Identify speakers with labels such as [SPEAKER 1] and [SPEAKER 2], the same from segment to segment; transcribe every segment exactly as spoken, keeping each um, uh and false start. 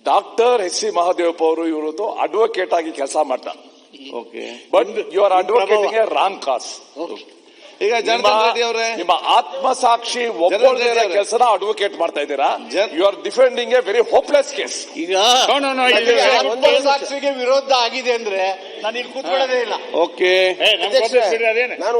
[SPEAKER 1] Doctor H C Mahadevappa ಅವರು ಇವತ್ತು advocate ಆಗಿ ಕೆಲಸ ಮಾಡ್ತಾರೆ.
[SPEAKER 2] Okay,
[SPEAKER 1] but you are advocating a wrong cause.
[SPEAKER 2] ಈಗ ಜನಾರ್ದನ್ ರೆಡ್ಡಿ ಅವರೇ,
[SPEAKER 1] ನಿಮ್ಮ ಆತ್ಮಸಾಕ್ಷಿ ಒಬ್ಬರ ಕೆಲಸನ ಅಡ್ವೊಕೇಟ್ ಮಾಡ್ತಾ ಇದ್ದೀರಾ. You are defending a very hopeless case.
[SPEAKER 3] ಈಗ ಆತ್ಮಸಾಕ್ಷಿಗೆ ವಿರೋಧ ಆಗಿದೆ ಅಂದ್ರೆ ನಾನು ಇಲ್ಲಿ ಕೂತ್ಕೊಳ್ಳೋದೇ ಇಲ್ಲ.
[SPEAKER 2] ಓಕೆ
[SPEAKER 4] ನಾನು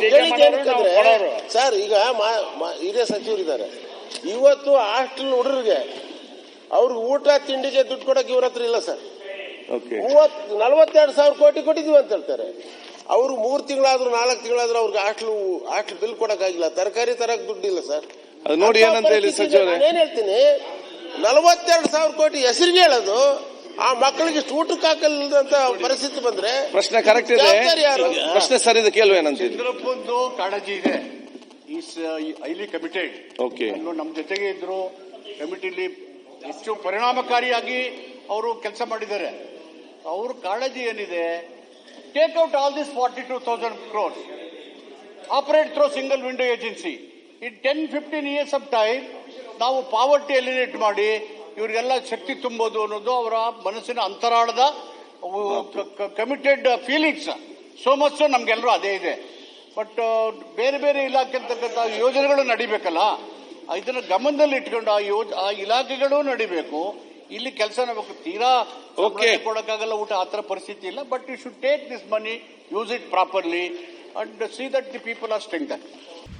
[SPEAKER 4] ಸರ್, ಈಗ ಹಿರಿಯ ಸಚಿವರಿದ್ದಾರೆ, ಇವತ್ತು ಹಾಸ್ಟೆಲ್ ಹುಡುಗರಿಗೆ ಅವ್ರಿಗೆ ಊಟ ತಿಂಡಿಗೆ ದುಡ್ಡು ಕೊಡಕ್ಕೆ ಇವ್ರ ಹತ್ರ ಇಲ್ಲ ಸರ್. ಮೂವತ್ ನಲ್ವತ್ತೆರಡು ಸಾವಿರ ಕೋಟಿ ಕೊಟ್ಟಿದೀವಿ ಅಂತ ಹೇಳ್ತಾರೆ. ಅವ್ರು ಮೂರ್ ತಿಂಗಳಾದ್ರು ನಾಲ್ಕು ತಿಂಗಳಾದ್ರೂ ಅವ್ರಿಗೆ ಹಾಸ್ಟೆಲ್ ಹಾಸ್ಟೆಲ್ ಬಿಲ್ ಕೊಡಕ್ಕಾಗಿಲ್ಲ, ತರಕಾರಿ ತರಕ್ ದುಡ್ಡಿಲ್ಲ ಸರ್.
[SPEAKER 2] ಅದು ನೋಡಿ ಏನಂತ ಹೇಳಿ ಸಚಿವರು,
[SPEAKER 4] ಏನ್ ಹೇಳ್ತೀನಿ, ನಲವತ್ತೆರಡು ಸಾವಿರ ಕೋಟಿ ಹೆಸರಿಗೆ ಹೇಳೋದು, ಆ ಮಕ್ಕಳಿಗೆ ಊಟಕ್ಕೆ ಹಾಕಲ್ದಂತ ಪರಿಸ್ಥಿತಿ ಬಂದ್ರೆ
[SPEAKER 2] ಪ್ರಶ್ನೆ ಕರೆಕ್ಟ್ ಇದೆ, ಪ್ರಶ್ನೆ ಸರಿ ಇದೆ, ಕೇಳುವ ಏನಂತ
[SPEAKER 3] ಚಂದ್ರಪ್ಪಂದು ಕಾಳಜಿ ಇದೆ. Is highly committed.
[SPEAKER 2] ಓಕೆ,
[SPEAKER 3] ನಮ್ಮ ಜೊತೆಗೆ ಇದ್ರು, ಕಮಿಟಿಲಿ ಹೆಚ್ಚು ಪರಿಣಾಮಕಾರಿಯಾಗಿ ಅವರು ಕೆಲಸ ಮಾಡಿದ್ದಾರೆ. ಅವ್ರ ಕಾಳಜಿ ಏನಿದೆ, take out all this forty two thousand crores, operate through single window agency. In ten fifteen years of time ನಾವು ಪಾವರ್ಟಿ ಎಲಿಮಿನೇಟ್ ಮಾಡಿ ಇವರಿಗೆಲ್ಲ ಶಕ್ತಿ ತುಂಬೋದು ಅನ್ನೋದು ಅವರ ಮನಸ್ಸಿನ ಅಂತರಾಳದ ಕಮಿಟೆಡ್ ಫೀಲಿಂಗ್ಸ್. ಸೋ ಮಚ್ ನಮ್ಗೆಲ್ಲರೂ ಅದೇ ಇದೆ. ಬಟ್ ಬೇರೆ ಬೇರೆ ಇಲಾಖೆ ಅಂತಕ್ಕಂಥ ಯೋಜನೆಗಳು ನಡಿಬೇಕಲ್ಲ, ಇದನ್ನ ಗಮನದಲ್ಲಿ ಇಟ್ಕೊಂಡು ಆ ಯೋಜ ಆ ಇಲಾಖೆಗಳು ನಡಿಬೇಕು. ಇಲ್ಲಿ ಕೆಲಸ ನಮಗೆ ತೀರಾ ಕೊಡಕ್ಕಾಗಲ್ಲ, ಊಟ ಆತರ ಪರಿಸ್ಥಿತಿ ಇಲ್ಲ. But you should take this money, use it properly and see that the people are ಸ್ಟ್ರೆಂಗ್ಥನ್.